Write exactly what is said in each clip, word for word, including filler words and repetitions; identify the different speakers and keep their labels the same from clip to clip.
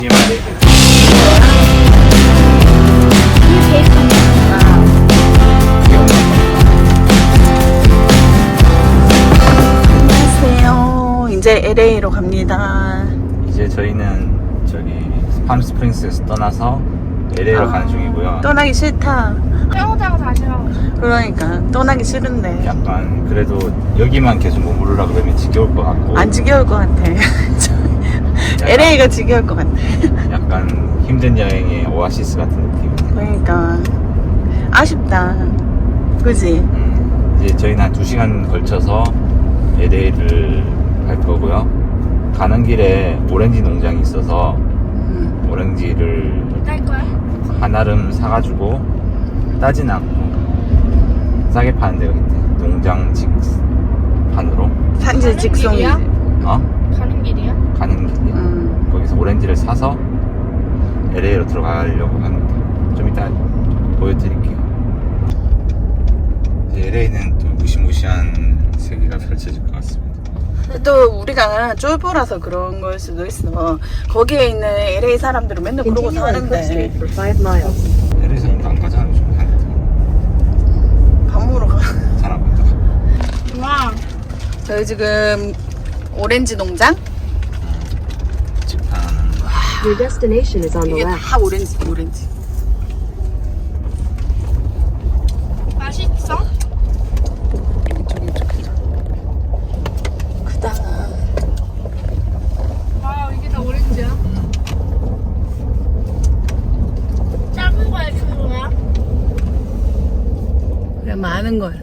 Speaker 1: 안녕하세요. 이제 엘에이로 갑니다.
Speaker 2: 이제 저희는 저기 팜스프링스에서 떠나서 엘에이로
Speaker 1: 아,
Speaker 2: 가는 중이고요.
Speaker 1: 떠나기 싫다.
Speaker 3: 빼오자고 다시 가고 싶어.
Speaker 1: 그러니까 떠나기 싫은데
Speaker 2: 약간 그래도 여기만 계속 머무르라 그러면 지겨울 것 같고
Speaker 1: 안 지겨울 것 같아. 엘에이가 지겨울 것 같아.
Speaker 2: 약간 힘든 여행의 오아시스 같은 느낌.
Speaker 1: 그러니까 아쉽다. 그지?
Speaker 2: 음, 이제 저희는 한 두 시간 걸쳐서 엘에이를 갈 거고요. 가는 길에 오렌지 농장이 있어서
Speaker 1: 음.
Speaker 2: 오렌지를
Speaker 3: 딸 거야?
Speaker 2: 한아름 사가지고 따진 않고 싸게 파는데 여기 농장 직판으로
Speaker 1: 산지
Speaker 3: 가는
Speaker 1: 직송이지.
Speaker 3: 길이야?
Speaker 2: 어?
Speaker 3: 가는 길이야?
Speaker 2: 가는 길이야.
Speaker 1: 음.
Speaker 2: 거기서 오렌지를 사서 엘에이로 들어가려고 합니다. 좀 이따 보여드릴게요. 이제 엘에이는 또 무시무시한 세계가 펼쳐질 것 같습니다.
Speaker 1: 또 우리가 쫄보라서 그런 걸 수도 있어. 거기에 있는 엘에이 사람들은 맨날 그러고 사는데
Speaker 2: 엘에이 사람도 안 가잖아 요즘 한테.
Speaker 1: 밥 먹으러 가.
Speaker 2: 사람 간다.
Speaker 3: 와.
Speaker 1: 저희 지금 오렌지 농장?
Speaker 2: 직판하는
Speaker 4: Your destination is on the
Speaker 1: 이게
Speaker 4: left.
Speaker 1: 다 오렌지 오렌지.
Speaker 3: 맛있어?
Speaker 1: 이쪽 이쪽 이쪽. 크다.
Speaker 3: 와, 이게 다 오렌지야? 작은 거야, 큰 거야?
Speaker 1: 그래 많은 걸.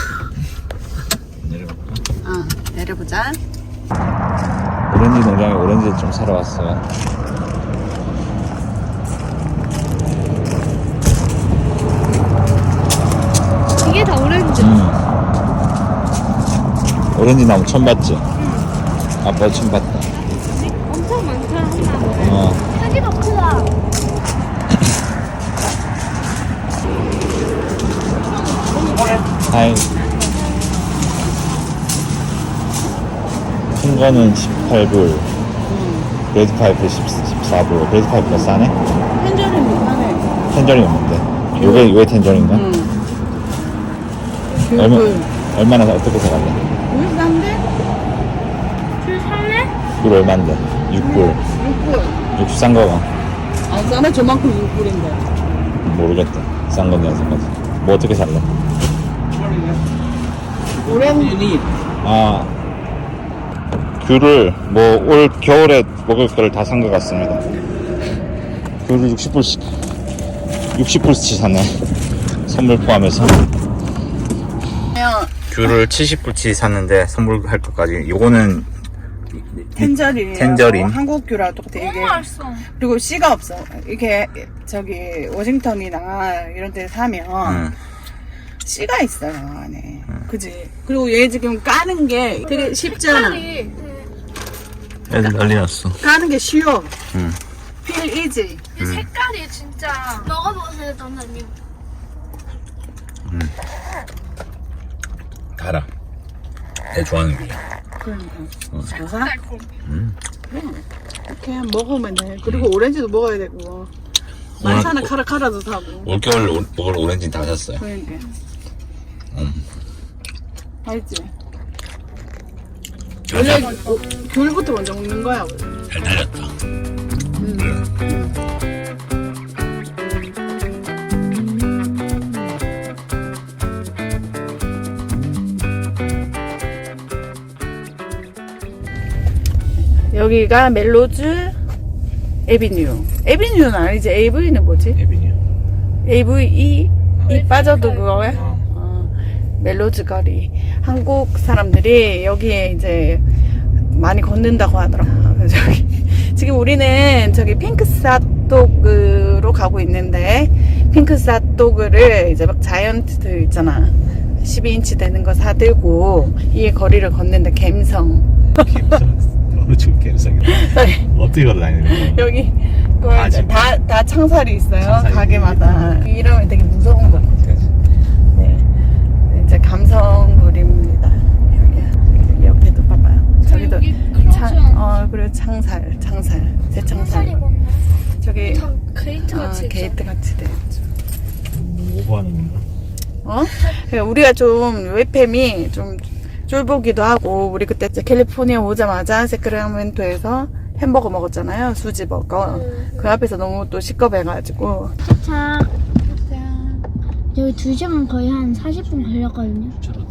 Speaker 2: 내려볼까?
Speaker 1: 어 내려보자.
Speaker 2: 오렌지 농장에 오렌지를 좀 사러 왔어요.
Speaker 3: 이게 다 오렌지.
Speaker 2: 음. 오렌지 나무 처음 봤지? 응. 아빠 처음 봤다.
Speaker 3: 엄청 많다, 하나.
Speaker 2: 어.
Speaker 3: 크기도 크다.
Speaker 2: 하이. 큰 거는 십팔 불. 브레드 파이프 십사 불. 브레드 파이프가 싸네?
Speaker 1: 텐저린 비싸네.
Speaker 2: 텐저린 없는데. 요게, 요게 텐저린가?
Speaker 1: 응.
Speaker 2: 얼마,
Speaker 1: 귤.
Speaker 2: 얼마나, 어떻게 사갈래?
Speaker 1: 귤 싼데?
Speaker 3: 줄 살래?
Speaker 2: 귤 얼만데? 육 불.
Speaker 1: 육 불.
Speaker 2: 육수 싼 거가?
Speaker 1: 안 싸네 저만큼 육 불인데.
Speaker 2: 모르겠다. 싼 건데 안 싼 건지. 뭐 어떻게 살래?
Speaker 1: 오렌지.
Speaker 2: 아, 귤을 뭐 올 겨울에 먹을 거를 다 산 것 같습니다. 귤을 육십 불씩 육십 불씩 샀네. 선물 포함해서. 귤을 칠십 불치 샀는데 선물할 것까지. 요거는
Speaker 1: 텐저린.
Speaker 2: 텐저린.
Speaker 1: 한국 귤하고 똑같아. 이게.
Speaker 3: 너무 맛있어.
Speaker 1: 그리고 씨가 없어. 이게 저기 워싱턴이나 이런 데 사면
Speaker 2: 응.
Speaker 1: 씨가 있어요 안에. 그지? 그리고 얘 지금 까는 게 되게 쉽잖아.
Speaker 3: 색깔이,
Speaker 2: 애들 난리 났어.
Speaker 1: 까는 게 쉬워.
Speaker 2: 응.
Speaker 1: Feel easy.
Speaker 3: 이 색깔이 진짜. 먹어보세요, 선생님.
Speaker 2: 달아. 내 좋아하는 귤이야.
Speaker 1: 그러니까.
Speaker 2: 어.
Speaker 1: 잘 사?
Speaker 3: 달콤.
Speaker 1: 이렇게 먹으면 돼. 그리고 오렌지도 먹어야 되고. 만사나 카라카라도 사고.
Speaker 2: 올겨울 먹을 오렌지 다 샀어요.
Speaker 1: 그러니까.
Speaker 2: 음.
Speaker 1: 알지? 원래 어, 귤부터 먼저 먹는 거야. 원래.
Speaker 2: 잘 달렸다.
Speaker 1: 여기가 멜로즈 에비뉴. 에비뉴는 아니지. 에이브이는 뭐지?
Speaker 2: 에비뉴.
Speaker 1: 에이브이 이 빠져도 그거야?
Speaker 2: 어.
Speaker 1: 어, 멜로즈 거리. 한국 사람들이 여기에 이제 많이 걷는다고 하더라고요. 그래서 저기 지금 우리는 저기 핑크사토그로 가고 있는데 핑크사토그를 이제 막 자이언트들 있잖아. 십이 인치 되는 거 사들고 이 거리를 걷는데 갬성.
Speaker 2: 어느 쪽 갬성이야? 어떻게 걸어다니는 거야?
Speaker 1: 여기
Speaker 2: 다 지금
Speaker 1: 다, 다 창살이 있어요.
Speaker 2: 창살이
Speaker 1: 가게마다. 이러면 되게 무서운 거거든. 네. 이제 감성물입니다. 여기 옆에도 봐봐요. 저기도
Speaker 3: 여기
Speaker 1: 창,
Speaker 3: 크로즈
Speaker 1: 어, 그리고 창살, 창살, 새창살.
Speaker 3: 살이 건데.
Speaker 1: 저기
Speaker 3: 참 게이트
Speaker 1: 아,
Speaker 3: 같이
Speaker 1: 게이트 같이 돼.
Speaker 2: 오버하는 건가?
Speaker 1: 어? 그러니까 우리가 좀 웹팸이 좀 쫄보기도 하고 우리 그때 이제 캘리포니아 오자마자 세크라멘토에서 햄버거 먹었잖아요. 수지버거. 그 앞에서 너무 또 시끄러워가지고
Speaker 3: 자, 여기 두 시간 거의 한 사십 분 걸렸거든요.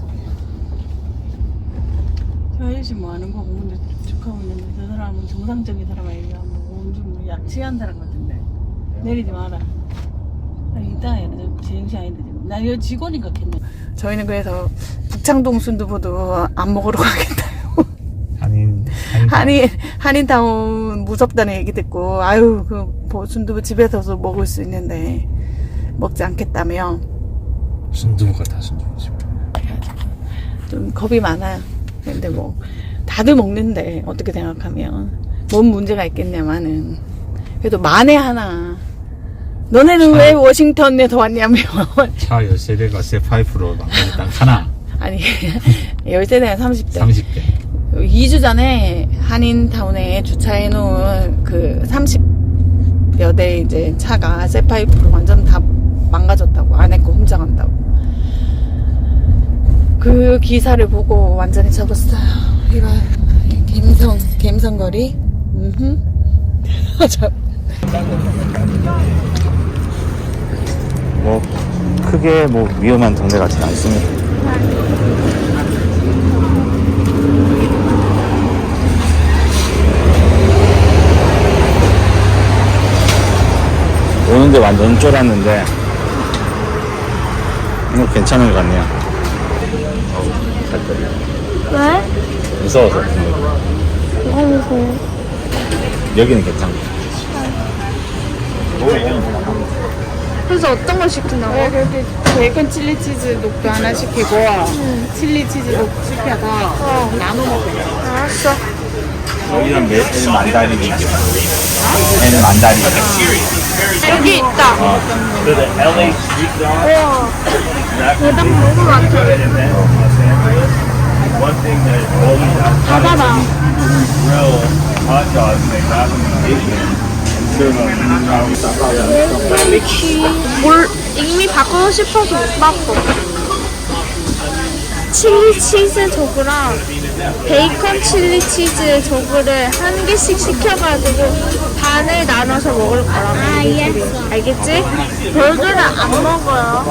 Speaker 1: 저 아저씨 뭐 하는 거고 근데 축하하고 있는데 저 사람은 정상적인 사람 아니야. 뭐 좀 약취한 사람 같은데 내리지 마라. 아니 이따 해야 돼. 제정신 아닌데 지금. 나 이거 직원인가 겠네. 저희는 그래서 북창동 순두부도 안 먹으러 가겠다요.
Speaker 2: 한인
Speaker 1: 한인 한인타운 무섭다는 얘기 듣고 아유 그 뭐 순두부 집에서도 먹을 수 있는데 먹지 않겠다며
Speaker 2: 순두부가 다 순두부지.
Speaker 1: 좀 겁이 많아요. 근데 뭐 다들 먹는데 어떻게 생각하면 뭔 문제가 있겠냐마는 그래도 만에 하나 너네는 왜 워싱턴에서 왔냐며
Speaker 2: 차 열세대가 새 파이프로 만들었다 하나
Speaker 1: 아니 열세 대나 삼십 대
Speaker 2: 삼십 대.
Speaker 1: 이 주 전에 한인타운에 주차해 놓은 그 삼십여 대 이제 차가 새 파이프로 완전 다 망가졌다고 안에 거 훔쳐간다고 그 기사를 보고 완전히 접었어요. 이거 갬성 갬성거리 음흠 저
Speaker 2: 뭐 크게 뭐 위험한 동네 같진 않습니다. 오는데 완전 쫄았는데 이거 괜찮은 것 같네요. 어우, 살 떨려.
Speaker 3: 왜?
Speaker 2: 무서워서.
Speaker 3: 뭐가 무서워?
Speaker 2: 여기는 괜찮고.
Speaker 3: 그래서 어떤 걸 시키나고?
Speaker 1: 네, 그렇게 베이컨 칠리 치즈 녹두 하나 시키고 칠리 치즈 녹두 시켜서 나눠 먹어요.
Speaker 3: 알았어.
Speaker 2: 여기는 매, 애는 만다린이. 애는 만다린.
Speaker 3: 여기 있다.
Speaker 2: 어.
Speaker 3: 우와. 대박 너무 많다. 봐봐봐. 뭘 이미 바꾸고 싶어서 못 바꿔. 칠리 치즈 도구랑 베이컨 칠리 치즈 도구를 한 개씩 시켜가지고 반을 나눠서 먹을 거라고. 아, 알겠어. 알겠지? 별들은 안 먹어요.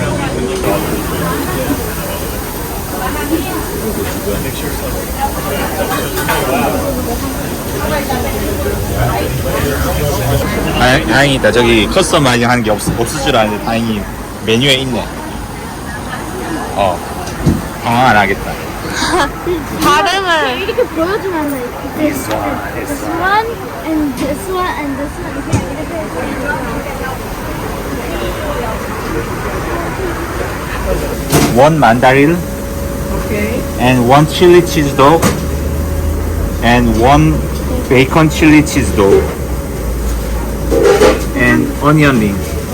Speaker 2: 다행, 다행이다. 저기 커스터마이징 하는 게 없, 없을 줄 알았는데 다행히 메뉴에 있네. 어. 당황 안 하겠다.
Speaker 3: 발음을 이렇게 보여주면 안 돼. This one, this one, and this one, and this one.
Speaker 2: One mandarin
Speaker 1: 오케이.
Speaker 2: and one chili cheese dog and one bacon chili cheese dog and onion ring.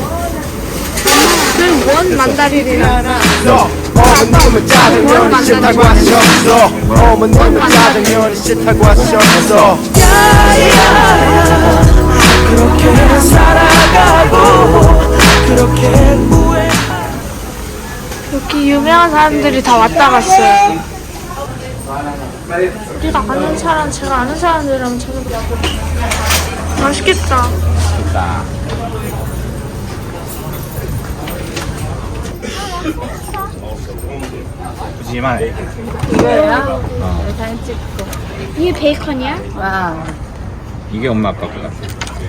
Speaker 3: 원 만다린이랑
Speaker 5: 어머님은 짜장면이 싫다고 하셨어. 어머님은 짜장면이 싫다고 하셨어. 그렇게 살아가고 그렇게 후회.
Speaker 3: 여기 유명한 사람들이 다 왔다 갔어요. 우리가 아는 사람, 제가 아는 사람들이랑 저는 맛있겠다.
Speaker 2: 자. 푸짐한
Speaker 1: 이거야?
Speaker 2: 어.
Speaker 1: 네, 사진 찍고.
Speaker 3: 이게 베이컨이야?
Speaker 1: 와.
Speaker 2: 이게 엄마 아빠 것 같아.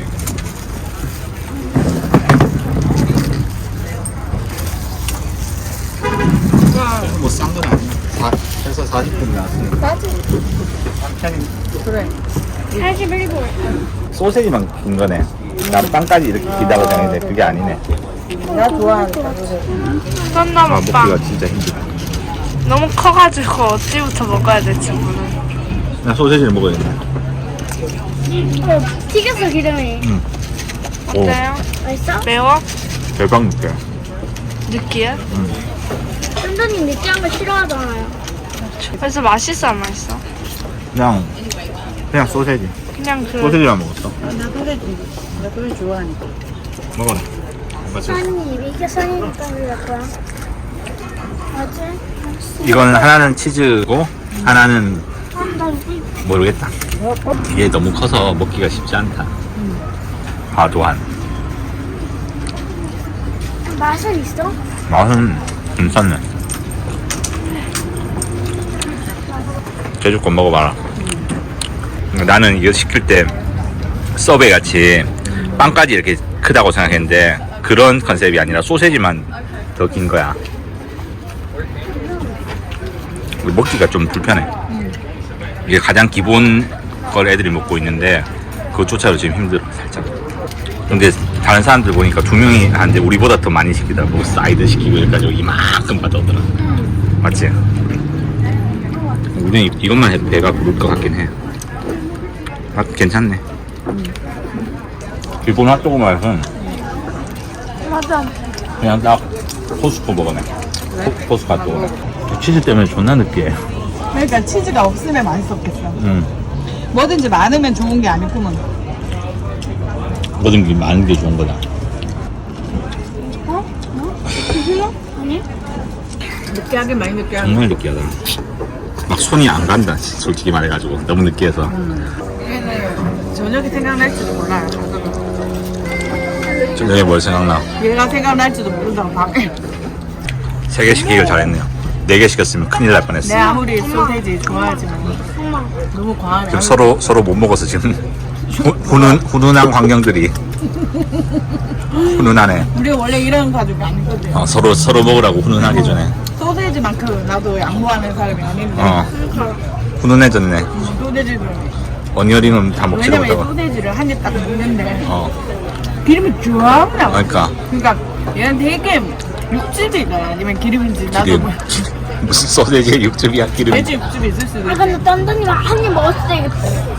Speaker 2: 뭐싼 건 아니야. 사, 해서 사십 분 나왔으니까.
Speaker 1: 싸지?
Speaker 2: 편히
Speaker 1: 그래.
Speaker 3: 사십일 불.
Speaker 2: 소세지만 긴 거네. 난 빵까지 이렇게 기다고 생각했는데 그게 아니네.
Speaker 1: 내가 좋아하니까 소세지.
Speaker 3: 썬나
Speaker 2: 아,
Speaker 3: 먹방.
Speaker 2: 먹기가 진짜 힘들다.
Speaker 3: 너무 커가지고 어찌부터 먹어야 될지 모르는.
Speaker 2: 나 소세지를 먹어야겠네.
Speaker 3: 어, 튀겼어 기름이.
Speaker 2: 응.
Speaker 3: 어때요? 맛있어? 매워?
Speaker 2: 대박 느껴.
Speaker 3: 느끼해?
Speaker 2: 응.
Speaker 3: 쫀쫀이 느끼한 거 싫어하잖아요. 그래서 맛있어 안 맛있어?
Speaker 2: 그냥, 그냥 소세지.
Speaker 3: 그냥 그
Speaker 2: 소세지만 먹었어.
Speaker 1: 나 소세지. 나 그걸 좋아하니까.
Speaker 2: 먹어라. 맞지?
Speaker 3: 선이 이게 선이니까 그럴 거야. 맞지?
Speaker 2: 이건 하나는 치즈고 하나는 모르겠다. 이게 너무 커서 먹기가 쉽지 않다. 과도한.
Speaker 3: 맛은 있어?
Speaker 2: 맛은 괜찮네. 제주권 먹어봐라. 나는 이거 시킬 때 서베이 같이 빵까지 이렇게 크다고 생각했는데 그런 컨셉이 아니라 소세지만 더 긴 거야. 먹기가 좀 불편해. 이게 가장 기본 걸 애들이 먹고 있는데 그것조차도 지금 힘들어 살짝. 근데 다른 사람들 보니까 두 명이 하는데 우리보다 더 많이 시키더라고. 사이드 시키고 여기까지 이만큼 받아오더라. 맞지? 우리는 이- 이것만 해도 배가 부를 것 같긴 해. 맛 괜찮네. 일본 핫도그 맛은
Speaker 3: 맞아.
Speaker 2: 그냥 딱 포스코 먹어네. 포, 포스코 핫도그. 치즈 때문에 존나 느끼해.
Speaker 1: 그러니까 치즈가 없으면 맛있었겠어.
Speaker 2: 음.
Speaker 1: 뭐든지 많으면 좋은 게 아니구먼.
Speaker 2: 뭐든 많은 게 좋은 거다.
Speaker 3: 아니?
Speaker 1: 느끼하게 많이 느끼하게.
Speaker 2: 정말 느끼하다. 막 손이 안 간다. 솔직히 말해가지고 너무 느끼해서.
Speaker 1: 저녁이 생각날지도 몰라요.
Speaker 2: 저녁에 뭘 생각나?
Speaker 1: 얘가 생각날지도 모른다고 밤에.
Speaker 2: 세 개 시키길 잘했네요. 네 개 시켰으면 큰일 날 뻔했어.
Speaker 1: 내 아무리 소세지 좋아하지만 너무 과하네.
Speaker 2: 지금 서로 서로 못 먹어서 지금 후, 훈훈 훈훈한 광경들이 훈훈하네.
Speaker 1: 우리 원래 이런 가족이 아니거든.
Speaker 2: 어, 서로 서로 먹으라고 훈훈하기 전에.
Speaker 1: 소세지만큼 나도 양보하는 사람이 아닌데.
Speaker 2: 어 훈훈해졌네.
Speaker 1: 소세지를
Speaker 2: 언니어링은 다 먹지
Speaker 1: 왜냐면 이
Speaker 2: 못하고.
Speaker 1: 소세지를 한 입 딱 먹는데
Speaker 2: 어
Speaker 1: 기름이 쫙 나와.
Speaker 2: 그러니까
Speaker 1: 그러니까 얘는 되게 육즙이다 아니면 기름인지 나도
Speaker 2: 기름.
Speaker 1: 뭐
Speaker 2: 무슨 소세지에 육즙이야 기름.
Speaker 1: 돼지 육즙이 있을 수도
Speaker 3: 아
Speaker 1: 있어.
Speaker 3: 근데 딴딴이가 한 입 먹었을 때 이게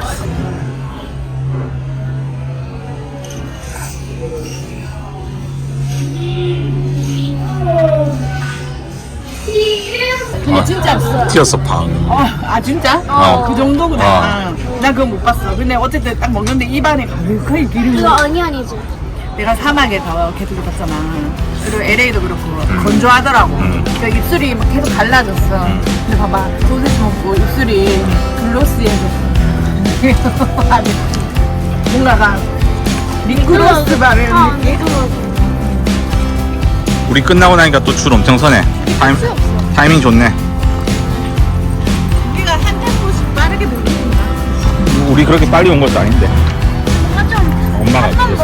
Speaker 1: 근데 진짜 없어.
Speaker 2: 튀었어 팡.
Speaker 1: 어, 아 진짜?
Speaker 2: 어.
Speaker 1: 그 정도구나.
Speaker 2: 어.
Speaker 1: 난 그거 못 봤어. 근데 어쨌든 딱 먹는데 입안에 가득하게 기름이.
Speaker 3: 이거 어니언이지.
Speaker 1: 내가 사막에서 계속 있었잖아. 그리고 엘에이도 그렇고 건조하더라고.
Speaker 2: 음.
Speaker 1: 그러니까 입술이 막 계속 갈라졌어. 근데 봐봐 소세지 먹고 입술이 글로시해졌어. 아니 뭔가가 링크로스 바르는
Speaker 3: 아,
Speaker 1: 느낌?
Speaker 2: 우리 끝나고 나니까 또 줄 엄청 서네. 타임 타이밍 좋네.
Speaker 1: 우리가 한 템포씩 빠르게 돌린다.
Speaker 2: 우리 그렇게 빨리 온 것도 아닌데.
Speaker 3: 뭔가 좀
Speaker 2: 엄마가
Speaker 3: 한번